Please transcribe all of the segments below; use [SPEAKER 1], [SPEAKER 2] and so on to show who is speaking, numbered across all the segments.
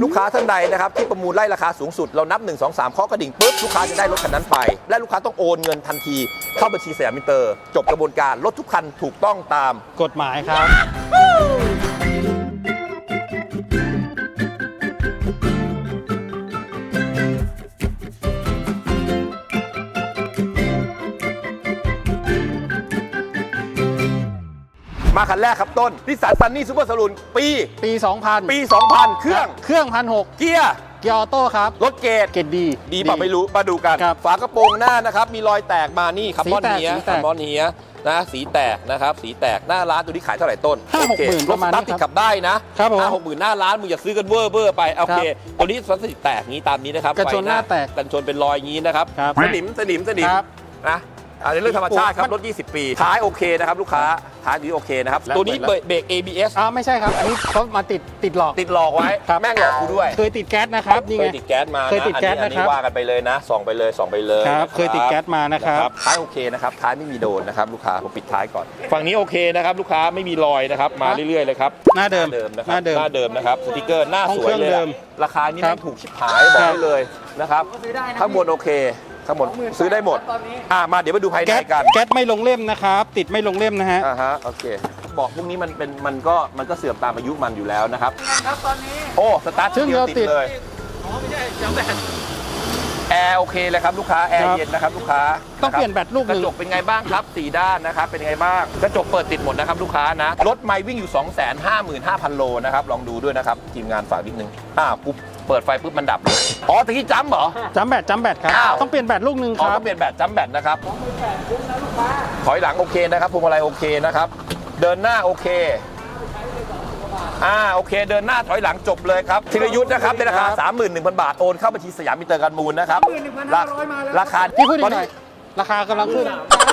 [SPEAKER 1] ลูกค้าท่านใดนะครับที่ประมูลไล่ราคาสูงสุดเรานับ1 2 3เคาะกระดิ่งปุ๊บลูกค้าจะได้รถคันนั้นไปและลูกค้าต้องโอนเงินทันทีเข้าบัญชีสยามมินเตอร์จบกระบวนการรถทุกคันถูกต้องตาม
[SPEAKER 2] กฎหมายครับ
[SPEAKER 1] มาคันแรกครับต้นนิสสันซันนี่ซูเปอร์สลูนปี
[SPEAKER 2] 2000
[SPEAKER 1] ปี 2000 เครื่อง
[SPEAKER 2] 1,600
[SPEAKER 1] เกียร์
[SPEAKER 2] เกียร์ออโต้ครับ
[SPEAKER 1] รถเกรด ดีป่ะไม่รู้มาดูกันฝากระโปรงหน้านะครับมีรอยแตกมานี่คาร์บอนเฮียนะสีแตกนะครับสีแตกหน้าร้านตัวนี้ขายเท่าไหร่ต้น
[SPEAKER 2] 50,000 ประมาณนี้
[SPEAKER 1] ติดขับได้นะครับ 50,000หน้าร้านมึงอย่าซื้อกันเวอร์ไปโอเคตัวนี้พลาสติกแตกงี้ตามนี้นะครับ
[SPEAKER 2] กันชนหน้าแตก
[SPEAKER 1] กันชนเป็นรอยงี้นะครับสนิมนะอันนี้เรื่องธรรมชาติครับรถ20 ปีท้ายโอเคนะครับลูกค้าท้ายดีโอเคนะครับตัวนี้เบรก ABS
[SPEAKER 2] ไม่ใช่ครับอันนี้เขามาติดหลอกไว้
[SPEAKER 1] แม่งหลอกกูด้วย
[SPEAKER 2] เคยติดแก๊สนะครับนี่ไง
[SPEAKER 1] เคยติดแก๊สมาอันนี้ว่ากันไปเลยนะส่องไปเลย
[SPEAKER 2] ครับเคยติดแก๊สมานะครับ
[SPEAKER 1] ท้ายโอเคนะครับท้ายไม่มีโดนนะครับลูกค้าผมปิดท้ายก่อนฝั่งนี้โอเคนะครับลูกค้าไม่มีรอยนะครับมาเรื่อยๆเลยครับ
[SPEAKER 2] หน้าเดิม
[SPEAKER 1] นะครับหน้าเดิมนะครับสติกเกอร์หน้าสวยเลยราคานี่ไม่ถูกชิบหายบอกได้เลยนะครับข้างบนโอเคทั้งหมดซื้อได้หมดมาเดี๋ยวมาดูภายในกัน
[SPEAKER 2] แก๊สไม่ลงเล่มนะครับติดไม่ลงเล่มนะฮะ
[SPEAKER 1] โอเคบอกพวกนี้มันก็เสื่อมตามอายุมันอยู่แล้วนะครับตอนนี้โอ้สตาร์ทเดียวติดเลยไม่ใช่จำแบตแอร์โอเคเลยครับลูกค้าแอร์เย็นนะครับลูกค้า
[SPEAKER 2] ต้องเปลี่ยนแบตลูกนึง
[SPEAKER 1] กระจกเป็นไงบ้างครับ4ด้านนะครับเป็นไงบ้างกระจกเปิดติดหมดนะครับลูกค้านะรถไม่วิ่งอยู่ 255,000 โลนะครับลองดูด้วยนะครับทีมงานฝากนิดนึงปุ๊บเปิดไฟปุ๊บมันดับเลยตะกี้จัมเหรอ
[SPEAKER 2] จัมแบตครับต้องเปลี่ยนแบตลูกนึงครับ
[SPEAKER 1] ต้องเปลี่ยนแบตจัมแบตนะครับถอยหลังโอเคนะครับพวงมาลัยโอเคนะครับเดินหน้าโอเคโอเคเดินหน้าถอยหลังจบเลยครับธีรยุทธ์นะครับในราคา 31,000 บาทโอนเข้าบัญชีสยามมินเตอร์การมูลนะครับราคา
[SPEAKER 2] ที่พูดหน่อยราคากำลังขึ้น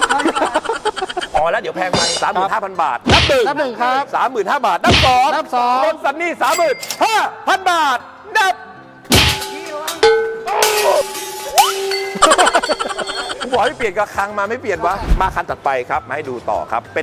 [SPEAKER 1] แล้วเดี๋ยวแพงไป 35,000 บาทนับหนึ่ง
[SPEAKER 2] ครับ
[SPEAKER 1] 35,000 บาทนับสองรถซันนี่ 35,000 บาทนับบอกให้เปลี่ยนกระคังมาไม่เปลี่ยนวะมาคันตัดไปครับมาให้ดูต่อครับเป็น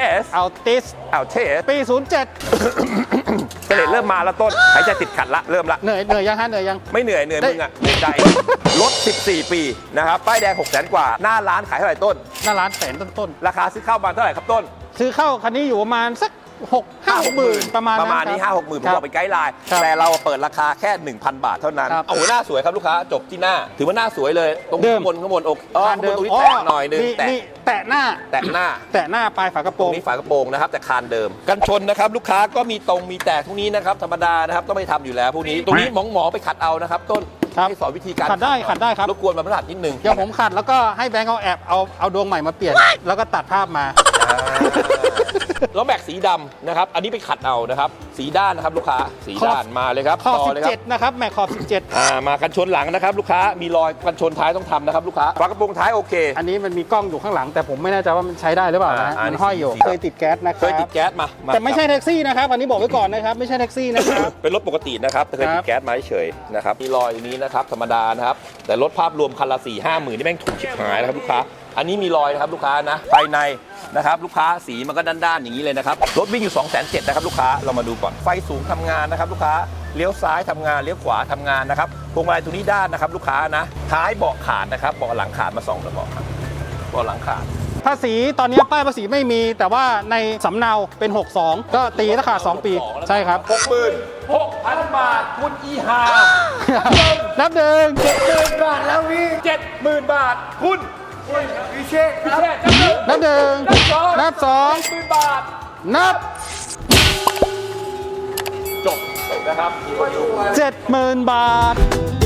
[SPEAKER 1] Altis
[SPEAKER 2] ปี 07
[SPEAKER 1] เสร็จเริ่มมาแล้วต้นหายใจติดขัดละเริ่มละ
[SPEAKER 2] เหนื่อยยังฮะเหนื่อยยัง
[SPEAKER 1] ไม่เหนื่อยมึงเหนื่อยใจรถ14 ปีนะครับป้ายแดง600,000 กว่าหน้าร้านขายเท่าไหร่ต้น
[SPEAKER 2] หน้าร้านแสนต้น
[SPEAKER 1] ราคาซื้อเข้ามาเท่าไหร่ครับต้น
[SPEAKER 2] ซื้อเข้าคันนี้อยู่ประมาณสัก5-6,000ประมาณ
[SPEAKER 1] นี้ 5-6 หมื่นผมบอกเป็นไกด์ไลน์แต่เราเปิดราคาแค่ 1,000 บาทเท่านั้นโอ้โหหน้าสวยครับลูกค้าจบที่หน้าถือว่าหน้าสวยเลยตรงข้างบนอกตรงนี้แตะหน่อยนึง
[SPEAKER 2] แตะหน้าปลายฝากระโปรง
[SPEAKER 1] นี้ฝากระโปรงนะครับแต่คานเดิมกันชนนะครับลูกค้าก็มีแตกทุกนี้นะครับธรรมดานะครับต้องไม่ทำอยู่แล้วพวกนี้ตรงนี้หมอไปขัดเอานะครับต้นให้สอนวิธีการ
[SPEAKER 2] ขัดได้ครับ
[SPEAKER 1] รบกวนมาพลัดนิดนึง
[SPEAKER 2] เดี๋ยวผมขัดแล้วก็ให้แบงค์เอาดวงใหม่มาเปลี่ยนแล้วก็ตัดภาพมา
[SPEAKER 1] ล้อแม็กสีดำนะครับอันนี้ไปขัดเอานะครับสีด้านนะครับลูกค้าสีด้านมาเลยครับ
[SPEAKER 2] ขอบ17นะครับแม็กขอบ17
[SPEAKER 1] มากันชนหลังนะครับลูกค้ามีรอยกันชนท้ายต้องทำนะครับลูกค้าฝากระโปรงท้ายโอเค
[SPEAKER 2] อันนี้มันมีกล้องอยู่ข้างหลังแต่ผมไม่แน่ใจว่ามันใช้ได้หรือเปล่านะมันห้อยอยู่เคยติดแก๊สนะครับ
[SPEAKER 1] เคยติดแก๊สมา
[SPEAKER 2] แต่ไม่ใช่แท็กซี่นะครับอันนี้บอกไว้ก่อนนะครับไม่ใช่แท็กซี่นะครับ
[SPEAKER 1] เป็นรถปกตินะครับแต่เคยติดแก๊สมาเฉยนะครับมีรอยนี้นะครับธรรมดานะครับแต่รถภาพรวมคันละ 4-5 หมื่นนี่แม่งถูกชิบหายนะครับลูกค้าอันนี้มีรอยนะครับลูกค้านะภายในนะครับลูกค้าสีมันก็ด้านๆอย่างนี้เลยนะครับรถวิ่งอยู่ 270,000 นะครับลูกค้าเรามาดูก่อนไฟสูงทำงานนะครับลูกค้าเลี้ยวซ้ายทำงานเลี้ยวขวาทำงานนะครับพวงมาลัยตัวนี้ด้านนะครับลูกค้านะท้ายเบาะขาดนะครับเบาะหลังขาดมา2 กระบอกเบาะหลังขาด
[SPEAKER 2] ภาษีตอนนี้ป้ายภาษีไม่มีแต่ว่าในสำเนาเป็น62ก็ตีราคา2 ปีใช่ครับ
[SPEAKER 1] 66,000 บาทคุณอีหา
[SPEAKER 2] นับหนึ่ง
[SPEAKER 1] 70,000 บาทแล้วพี่ 70,000 บาทคุณพิเชษ
[SPEAKER 2] นับหนึ่งนับ2
[SPEAKER 1] 70,000 บาท
[SPEAKER 2] นับ
[SPEAKER 1] จบนะครับ
[SPEAKER 2] 70,000 บาท